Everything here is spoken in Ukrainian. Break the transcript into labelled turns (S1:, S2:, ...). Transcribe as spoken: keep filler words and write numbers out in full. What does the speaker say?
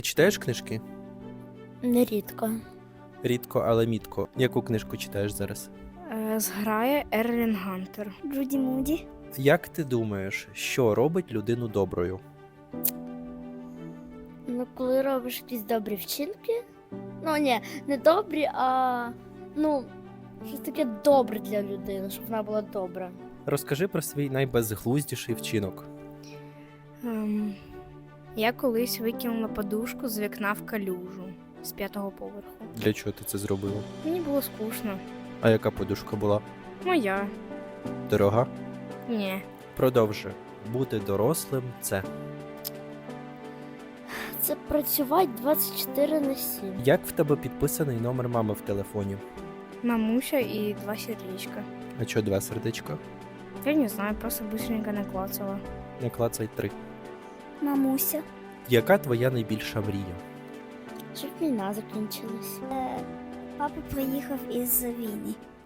S1: Читаєш книжки?
S2: Нерідко.
S1: Рідко, але мітко. Яку книжку читаєш зараз?
S3: Е, Зграє Ерлін Гантер.
S2: Джуді Муді.
S1: Як ти думаєш, що робить людину доброю?
S2: Ну, коли робиш якісь добрі вчинки. Ну, ні, не добрі, а ну, щось таке добре для людини, щоб вона була добра.
S1: Розкажи про свій найбезглуздіший вчинок.
S3: Ем, я колись викинула подушку з вікна в калюжу з п'ятого поверху.
S1: Для чого ти це зробила?
S3: Мені було скучно.
S1: А яка подушка була?
S3: Моя.
S1: Дорога?
S3: Ні.
S1: Продовжуй. Бути дорослим – це.
S2: Це працювати двадцять чотири на сім.
S1: Як в тебе підписаний номер мами в телефоні?
S3: Мамуся і два сердечка.
S1: А чого два сердечка?
S3: Я не знаю, просто быстренько наклацала.
S1: Не клацай три.
S2: Мамуся.
S1: Яка твоя найбільша мрія?
S2: Щоб війна закінчилась. Е, папа приїхав із Війні.